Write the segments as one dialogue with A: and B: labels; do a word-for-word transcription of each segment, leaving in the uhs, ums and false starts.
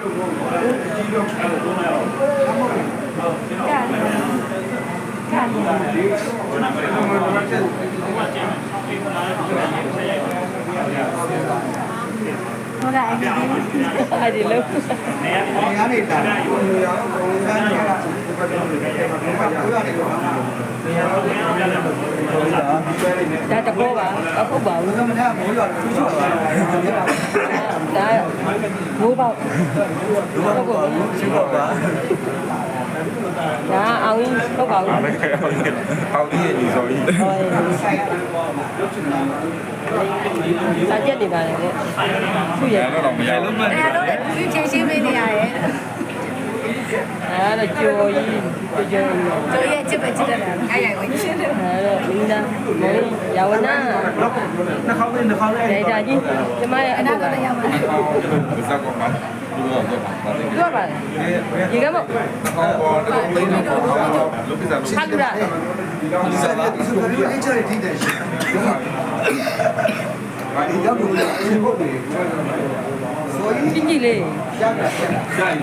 A: ဟုတ်ကဲ့အဲ့ဒီလို့နေရာနေတာဒါတဘောပါအခုပါဘူးဒါမိုးပေါက်မိုးပေါက်ပါဒါအောင်ဟုတ်ပါဘူး
B: အောင်ကြီးရဲ့ညီစောကြီး
A: စာချက်နေပါလေသူ့ရဲ့
B: တော့တော့မရဘူး
C: အဲ့ဒါတော့သူချင်းချင်းပေးနေရတယ်
A: အဲ့ဒါကြော်ကြီးကြော်ကြီး
C: တို့ရဲ့ချစ်ပဲချစ်တယ်အဲ့ရိုင်ဝင်ရှင်းတယ်
A: အဲ့တော့မင်းသားမောင်ရဝနာ
D: နှာခေါင်းလေးနှာခေါင်းလေး
A: ဒေတာကြီးကျမရဲ့အနာ
C: တော့ရမှာ
B: စက်ကောပါလူတော့တော့ပါတယ်
A: ပြောပါဒီကမော
B: အော်တော့ဘယ်လိုလုပ်ပြစားလို့
A: ဟာကူရာ
D: ဒီစားရဒီဆိုပြီးအချာတီးတယ်ရှင်ဘာဒီတော့ဘူးလေဘုတ်နေဆိုရင်
A: ကြီးကြီးလေး
D: ရရရရ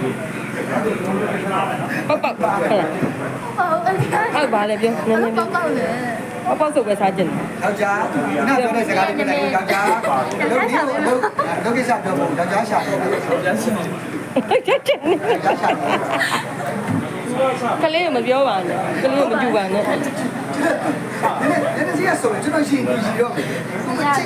A: ပေါက်ပေါက်ဟုတ်လား
C: ဟုတ်အဲ့ဒါ
A: ဟုတ်ပါလေပြောနည်းနည်း
C: ပေါက်ပေါက်လေ
A: ပေါက်ပေါက်ဆိုပဲစားကြတယ်
D: ယောက်ျားနားပြောတဲ့စကားလေးပြောလိုက်ယောက်ျားလုပ်ဒီကိုလုပ်လုပ်ကိစ္စပြောဖို့ယောက်ျားရှာတယ်ယောက်ျားရှာတယ်
A: ချက်ချက်နေ
D: ယောက်ျားရှာတယ်
A: ကလေးမပြောပါနဲ့ကလေးမကြည့်ပါနဲ့
D: နည်းနည်းနည်းစီးရဆိုရင်ကျွန်တော်ရှင်းပြီးရောဒီဘက်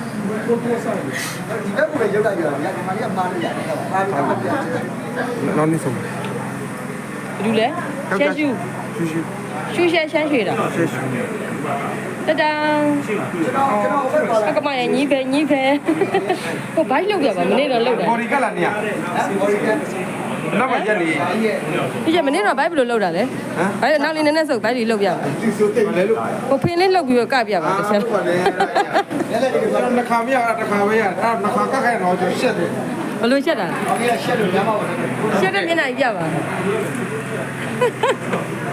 D: ကိုပဲရောက်လိုက်ရအောင်ညမလေးကမားလို့ရတယ်မားပြီးတော့ပြတ်
B: နောက်နေ့ဆုံး
A: ဘယ်လိုလဲရှဲရှူရှူရှူရှဲရှမ်းရွှေတာ
B: ရှေ့ရှေ့
A: တတန်အကမရညီးပဲညီးပဲဟိုဘိုက်လောက်ရပါမနေ့တော့လောက်တယ်
B: ဘော်ဒီကလာနေရနောက်မှရက်နေ
A: ဒီကျမနေ့တော့ဘိုက်ဘယ်လိုလောက်တာလဲဘိုက်နောက်လေးနည်းနည်းစုပ်ဘိုက်လေးလောက်ပြပါ
D: ဒီဆိုတိတ်လဲလို့
A: ဟိုဖင်းလေးလောက်ပြီးတော့ကပြပါတစ်ချက်
D: ဟုတ်ပါလေလည်းလည်းဒီကတော့
B: နှစ်ခါမရတာတစ်ခါပဲရအဲ့နှစ်ခါကက်ခိုင်တော့ရှက်တယ်
A: ဘယ်လိုချက်တာ
D: အော်ဒီကရှက်လို့ညမှာပါ
A: ရှက်တဲ့မျက်နှာပြပါ